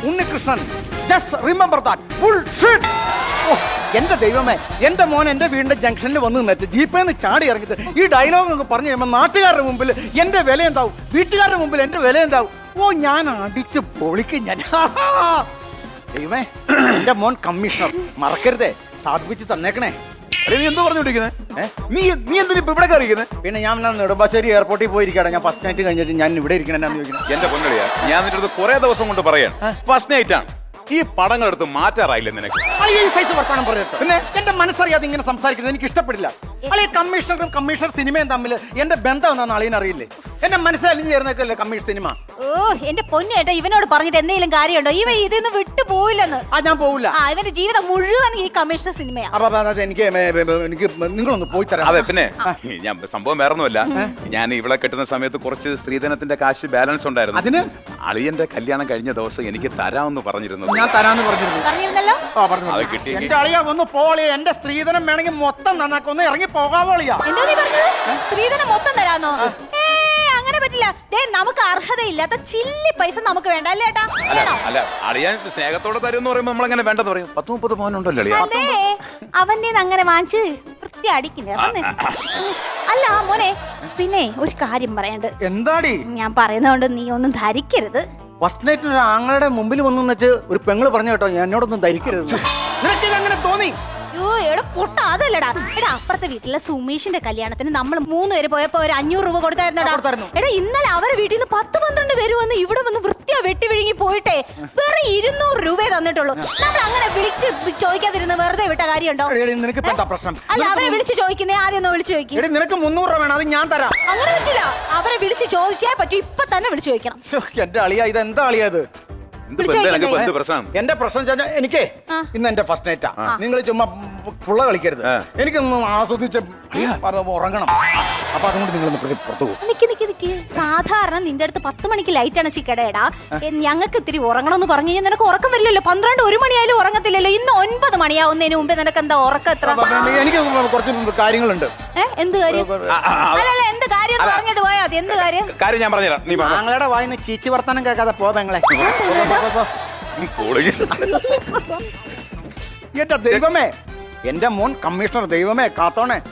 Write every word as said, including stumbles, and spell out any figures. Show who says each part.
Speaker 1: Unnikrishnan. Just remember that. Bullshit. ഓ എന്റെ ദൈവമേ, എന്റെ മോൻ എന്റെ വീടിന്റെ ജംഗ്ഷനിൽ വന്ന് നിന്നിട്ട് ജീപ്പേന്ന് ചാടി ഇറങ്ങിയിട്ട് ഈ ഡയലോഗ് നമുക്ക് പറഞ്ഞു കഴിയുമ്പോൾ നാട്ടുകാരുടെ മുമ്പിൽ എന്റെ വില എന്താവും, വീട്ടുകാരുടെ മുമ്പിൽ എന്റെ വില എന്താവും. ഓ ഞാൻ അടിച്ച് പൊളിക്കും ഞാൻ. ദൈവമേ, എന്റെ മോൻ കമ്മീഷണർ മറക്കരുതേ, സാധിപ്പിച്ച് തന്നേക്കണേ.
Speaker 2: നീ എന്തോ പറഞ്ഞോണ്ടിരിക്കുന്നത്? നീ നീ എന്തിനാ ഇപ്പൊ ഇവിടെ കയറിയിരിക്കുന്നത്?
Speaker 1: പിന്നെ ഞാൻ നെടുമ്പാശ്ശേരി എയർപോർട്ടിൽ പോയിരിക്കട്ടെ. ഞാൻ ഫസ്റ്റ് നൈറ്റ് കഴിഞ്ഞിട്ട് ഞാൻ ഇവിടെ ഇരിക്കണെന്ന് ചോദിക്കുന്നത്.
Speaker 2: എന്റെ പൊന്നളിയാ, ഞാൻ നിന്റെ അടുത്ത് കുറെ ദിവസം കൊണ്ട് പറയാൻ, ഫസ്റ്റ് നൈറ്റ് ആണ്, ഈ പടങ്ങൾ എടുത്ത് മാറ്റാറായില്ലേ നിനക്ക്?
Speaker 1: ഈ സൈസ് വർത്താനം പറഞ്ഞിട്ട് പിന്നെ എന്റെ മനസ്സറിയാതെ ഇങ്ങനെ സംസാരിക്കുന്നത് എനിക്ക് ഇഷ്ടപ്പെടില്ല. അല്ലെ കമ്മീഷണറും കമ്മീഷണർ സിനിമയും തമ്മിൽ എന്റെ ബന്ധം എന്താണെന്ന് അളിയനറിയില്ലേ? എന്റെ മനസ്സിലലിഞ്ഞു ചേർന്നേക്കല്ലേ കമ്മീഷൻ സിനിമ.
Speaker 3: ഓ എന്റെ പൊന്നേട്ടാ, ഇവനോട് പറഞ്ഞിട്ട് എന്തെങ്കിലും കാര്യമുണ്ടോ? ഇവൻ ഇതിന്ന് വിട്ടു പോയില്ലെന്ന്.
Speaker 1: ആ ഞാൻ പോവില്ല.
Speaker 3: ആ ഇവന്റെ ജീവിതം മുഴുവൻ ഈ കമ്മീഷണർ സിനിമയാ.
Speaker 1: അപ്പൊ അത് എനിക്ക് എനിക്ക് നിങ്ങളൊന്ന് പോയി തരാം.
Speaker 2: അതെ, പിന്നെ ഞാൻ സംഭവം വേറൊന്നുമല്ല, ഞാൻ ഇവിടെ കെട്ടുന്ന സമയത്ത് കുറച്ച് സ്ത്രീധനത്തിന്റെ കാശ് ബാലൻസ് ഉണ്ടായിരുന്നു.
Speaker 1: അതിന്
Speaker 2: അളിയന്റെ കല്യാണം കഴിഞ്ഞ ദിവസം എനിക്ക് തരാമെന്ന് പറഞ്ഞിരുന്നു.
Speaker 1: ഞാൻ തരാന്ന് പറഞ്ഞിരുന്നു.
Speaker 3: പറഞ്ഞിരുന്നല്ലോ.
Speaker 1: ആ പറഞ്ഞു.
Speaker 2: അത് കിട്ടി.
Speaker 1: എന്റെ അളിയാ ഒന്ന് പോളിയ, എന്റെ സ്ത്രീധനം വേണമെങ്കിൽ മൊത്തം നന്നാക്കി ഒന്ന് ഇറങ്ങി പോകാവോളിയാ.
Speaker 3: എന്താ നീ പറഞ്ഞത്? സ്ത്രീധനം മൊത്തം തരാന്നോ? ഏ അങ്ങനെ പറ്റില്ല. ദേ നമുക്ക് അർഹതയില്ലാത്ത ചില്ലി പൈസ നമുക്ക് വേണ്ട അല്ലേ ഏട്ടാ?
Speaker 2: അല്ല അല്ല അളിയൻ സ്നേഹത്തോടെ തരും എന്ന് പറയുമ്പോൾ നമ്മളെങ്ങനെ വേണ്ടെന്ന് പറയും? പത്ത് മുപ്പത് മോനുണ്ടല്ലോ അളിയ.
Speaker 3: അതെ, അവന്റെ അങ്ങനെ വാങ്ങിച്ച് വൃത്തി അടിക്കുന്നേ. അല്ല മോനെ, പിന്നെ ഒരു കാര്യം പറയണ്ട്.
Speaker 1: എന്താടി?
Speaker 3: ഞാൻ പറയുന്നതുകൊണ്ട് നീ ഒന്നും ധരിക്കരുത്.
Speaker 1: ഫസ്റ്റ് നൈറ്റിന് ഒരു ആങ്ങളുടെ മുമ്പിൽ വന്നു വെച്ച് ഒരു പെങ്ങള് പറഞ്ഞു കേട്ടോ, എന്നോടൊന്നും ധരിക്കരുത്. നിനക്കിത് അങ്ങനെ തോന്നി?
Speaker 3: അയ്യോ എടാ പൊട്ട, അതല്ലടാ. എടാ അപ്പുറത്തെ വീട്ടിലെ സുമേഷിന്റെ കല്യാണത്തിന് നമ്മൾ മൂന്ന് പേര് പോയപ്പോ ഒരു അഞ്ഞൂറ് രൂപ കൊടുത്തായിരുന്നടാ. എടാ ഇന്നലെ അവരെ വീട്ടിൽ നിന്ന് പത്ത് പന്ത്രണ്ട് പേര് വന്ന് ഇവിടെ വന്ന് വൃത്തിയാ വെട്ടി വിഴുങ്ങി പോയിട്ടെ വെറും ഇരുന്നൂറ് രൂപയെ തന്നിട്ടുള്ളൂ. നമ്മൾ അങ്ങനെ വിളിച്ച് ചോദിക്കാതിരുന്ന് വെറുതെ വിട്ട കാര്യമുണ്ടോ?
Speaker 1: നിനക്ക് എന്താ പ്രശ്നം?
Speaker 3: അല്ല അവരെ വിളിച്ച് ചോദിക്കുന്നേ, ആദ്യം ഒന്ന് വിളിച്ചു ചോദിക്കും.
Speaker 1: എടി നിനക്ക് മുന്നൂറ് രൂപ വേണം, അത് ഞാൻ തരാം.
Speaker 3: അങ്ങനെ പറ്റില്ല, അവരെ വിളിച്ച് ചോദിച്ചേ പറ്റൂ. ഇപ്പൊ തന്നെ വിളിച്ചു ചോദിക്കണം.
Speaker 1: എന്റെ അളിയാ, ഇത് എന്താ അളിയാ ഇത്?
Speaker 2: പ്രശ്നം
Speaker 1: എന്റെ പ്രശ്നം എനിക്കേ ഇന്ന് എന്റെ ഫസ്റ്റ് നൈറ്റാ. നിങ്ങൾ ചുമ്മാ പുള്ള കളിക്കരുത്. എനിക്കൊന്ന് ആസ്വദിച്ച് ഉറങ്ങണം. അപ്പൊ അതുകൊണ്ട് നിങ്ങളൊന്ന് പുറത്തു പോകും.
Speaker 3: നിക്ക് നിക്ക് നിക്ക്. സാധാരണ നിന്റെ അടുത്ത് പത്ത് മണിക്ക് ലൈറ്റ് ആണ് ചിക്കടേടാ. ഞങ്ങൾക്ക് ഇത്തിരി ഉറങ്ങണമെന്ന് പറഞ്ഞു കഴിഞ്ഞാൽ നിനക്ക് ഉറക്കം വരില്ലല്ലോ. പന്ത്രണ്ട് ഒരു മണിയായാലും ഉറങ്ങത്തില്ലല്ലോ. ഇന്ന് ഒൻപത് മണിയാവുന്നതിന് മുമ്പേ നിനക്ക് എന്താ ഉറക്കം എത്ര?
Speaker 1: എനിക്ക് കുറച്ച് കാര്യങ്ങളുണ്ട്.
Speaker 3: എന്ത് കാര്യം? അല്ലല്ല എന്ത് കാര്യം പറഞ്ഞിട്ട് പോയാ മതി. എന്ത് കാര്യം?
Speaker 2: കാര്യം ഞാൻ പറഞ്ഞുതരാം. നീ
Speaker 1: ഞങ്ങളുടെ വായിന്ന് ചീച്ചി വർത്താനം കേൾക്കാതെ പോ പെങ്ങളെ. എന്റെ ദൈവമേ, എന്റെ മോൻ കമ്മീഷണർ, ദൈവമേ കാത്തോണേ.